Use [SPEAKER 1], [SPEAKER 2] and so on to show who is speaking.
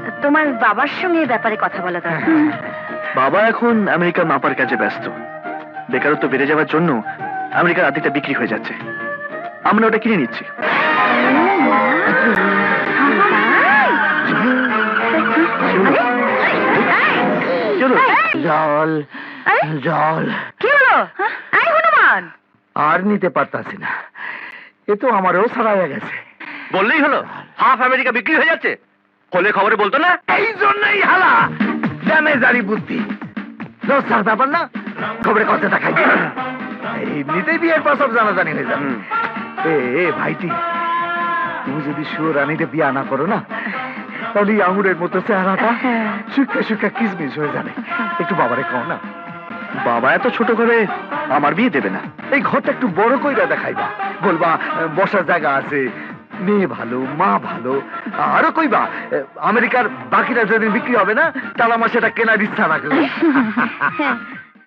[SPEAKER 1] তোমার বাবার সঙ্গে এই ব্যাপারে কথা বলা দরকার।
[SPEAKER 2] বাবা এখন আমেরিকার মাপার কাজে ব্যস্ত। বেকারত্ব বেড়ে যাওয়ার জন্য আমেরিকার আর্ধেকটা বিক্রি হয়ে যাচ্ছে। আমরা ওটা কিনে নিচ্ছি।
[SPEAKER 3] জল জল
[SPEAKER 1] কি হলো? এই হনুমান,
[SPEAKER 3] আর নিতে পারতাছি না, এ তো আমারও ছাড়াইয়া গেছে।
[SPEAKER 2] বললেই হলো, হাফ আমেরিকা বিক্রি হয়ে যাচ্ছে। হলে খবরে বলতো না?
[SPEAKER 3] এই জন্যই হালা ড্যামেজারি বুদ্ধি। লজ্জার ব্যাপার না, খবরে কথা দেখাই এমনিতেই বিয়ের পর সব জানাজানি হয়ে যাবে। এ ভাইটি, তুমি যদি সুরানিতে বিয়া না করো না, তাহলে আঙুরের মতো চেহারাটা শুকা শুকা কিসমিস হয়ে যাবে। একটু বাবারে কও না।
[SPEAKER 2] বাবা এত ছোট করে আমার বিয়ে দেবে না।
[SPEAKER 3] এই ঘরটা একটু বড় কইরা দেখাইবা, বলবা বসার জায়গা আছে, মেয়ে ভালো, মা ভালো। আরো কইবা আমেরিকার বাকিটা যেদিন বিক্রি হবে না, তাহলে আমার সেটা কেনার ইচ্ছা রাখবে।